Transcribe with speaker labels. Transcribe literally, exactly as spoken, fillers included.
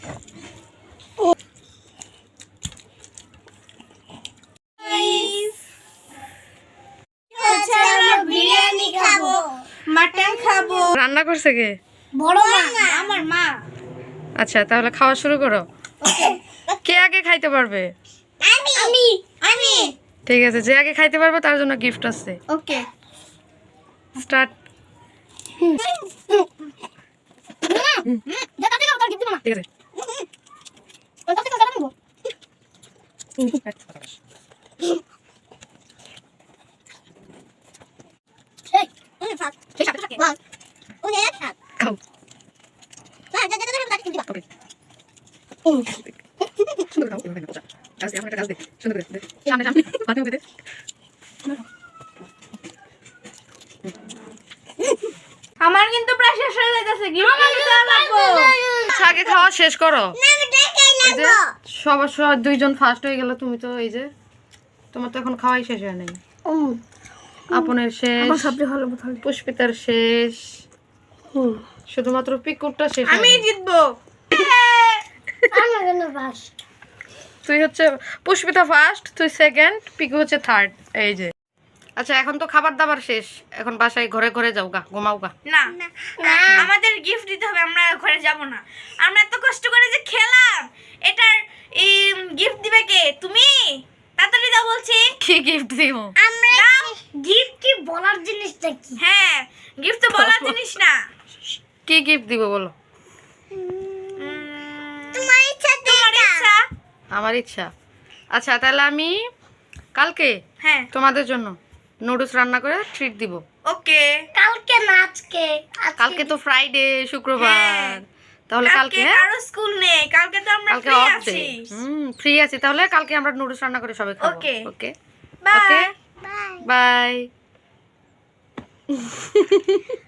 Speaker 1: বিরিয়ানি খাবো, মাটন খাবো।
Speaker 2: রান্না করছে কে?
Speaker 1: বড় মা, আমার মা।
Speaker 2: আচ্ছা তাহলে খাওয়া শুরু করো। কে আগে খাইতে পারবে?
Speaker 1: আমি আমি আমি
Speaker 2: ঠিক আছে, যে আগে খাইতে পারবে তার জন্য গিফট আছে।
Speaker 1: Okay
Speaker 2: start.
Speaker 1: দাদা দাদা তোর গিফট দিবা না।
Speaker 2: ঠিক আছে।
Speaker 1: ওই দাদা দাদা নিবো। এই ওই ফাক সেই সাথে থাকে বল ওই এক হাত
Speaker 2: খাও।
Speaker 1: না দাদা দাদা দাদা দিবা
Speaker 2: ওকে। সুন্দর খাও। গাছ দে, আমার একটা গাছ দে। সুন্দর করে দে। সামনে সামনে মাথা মুখে দে।
Speaker 1: আমার কিন্তু প্রায় শেষ হয়ে যাচ্ছে গিফট দিতে লাগবো।
Speaker 2: আগে খাওয়া শেষ করো।
Speaker 1: না আমি দেখাই
Speaker 2: এই যে
Speaker 1: লাগবো।
Speaker 2: সবার সবার দুইজন ফার্স্ট হয়ে গেল, তুমি তো এই যে তোমার তো এখন খাওয়াই শেষ হয় নাই। আপনের শেষ,
Speaker 1: আমার সবচেয়ে ভালো বোতল
Speaker 2: পুষ্পিতার শেষ, শুধুমাত্র পিকুরটা শেষ।
Speaker 1: আমি জিতবো। আমার জন্য ফার্স্ট।
Speaker 2: তুই হচ্ছে পুষ্পিতা ফার্স্ট, তুই সেকেন্ড, পিকু হচ্ছে থার্ড। এই যে আচ্ছা এখন তো খাবার দাবার শেষ, এখন বাসায় ঘরে ঘরে যাও গা, ঘুমাও গা।
Speaker 1: না আমাদের গিফট দিতে হবে, আমরা ঘরে যাব না। আমরা এত কষ্ট করে যে খেলাম, এটার এই গিফট দিবে কে? তুমি তাড়াতাড়ি দাও বলছি।
Speaker 2: কি গিফট দিব?
Speaker 1: আমরা গিফট কি বলার জিনিসটা কি? হ্যাঁ গিফট তো বলার জিনিস না।
Speaker 2: কি গিফট দিব বলো?
Speaker 1: তোমার ইচ্ছা, তোমার ইচ্ছা।
Speaker 2: আমার ইচ্ছা। আচ্ছা তাহলে আমি কালকে
Speaker 1: হ্যাঁ
Speaker 2: তোমাদের জন্য নুডলস রান্না করে ট্রিট দিব।
Speaker 1: ওকে। কালকে না আজকে।
Speaker 2: কালকে তো ফ্রাইডে, শুক্রবার, তাহলে কালকে হ্যাঁ
Speaker 1: কারো স্কুল নেই, কালকে তো আমরা
Speaker 2: কালকে
Speaker 1: ফ্রি
Speaker 2: অফ ডে।
Speaker 1: আছি।
Speaker 2: হুম ফ্রি আছি, তাহলে কালকে আমরা নুডলস রান্না করে সবাই খাবো।
Speaker 1: Okay
Speaker 2: okay
Speaker 1: bye
Speaker 2: by.